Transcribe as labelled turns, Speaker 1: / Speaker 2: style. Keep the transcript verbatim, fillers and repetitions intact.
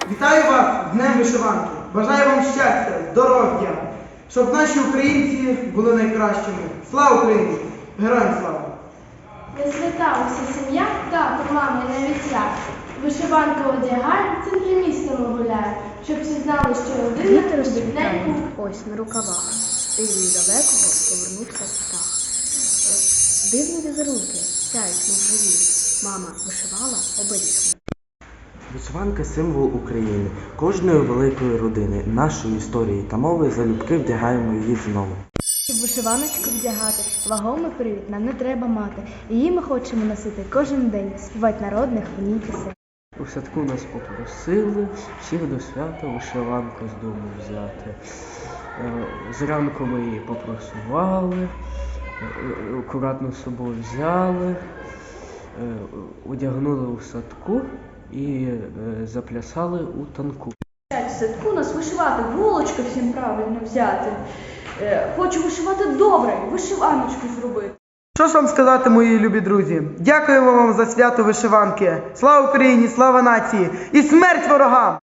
Speaker 1: Вітаю вас з Днем Вишиванки! Бажаю вам щастя, здоров'я, щоб наші українці були найкращими. Слава Україні! Героям слава!
Speaker 2: На свята уся сім'я, тато, мама і навіть я. Вишиванка одягає, в центрі міста ми гуляє, щоб всі знали, що родина
Speaker 3: Вітер розцвітає,
Speaker 2: неньку.
Speaker 3: ось на рукавах, і від далекого повернувся птах. Е, Дивні візерунки, сяють мов живі, мама вишивала оберіг.
Speaker 4: Вишиванка – символ України, кожної великої родини, нашої історії та мови, залюбки вдягаємо її знову.
Speaker 3: Щоб вишиваночку вдягати, вагомий привід нам не треба мати. Її ми хочемо носити кожен день, співати народних в ній пісень.
Speaker 5: У садку нас попросили всіх до свята вишиванку з дому взяти. Е, Зранку ми її попросували, е, акуратно з собою взяли, е, одягнули у садку і е, заплясали у танку.
Speaker 6: В садку нас вишивати, голочка всім правильно взяти. Е, Хочу вишивати добре, вишиваночку зробити.
Speaker 1: Що ж вам сказати, мої любі друзі? Дякуємо вам за свято вишиванки. Слава Україні, слава нації і смерть ворогам!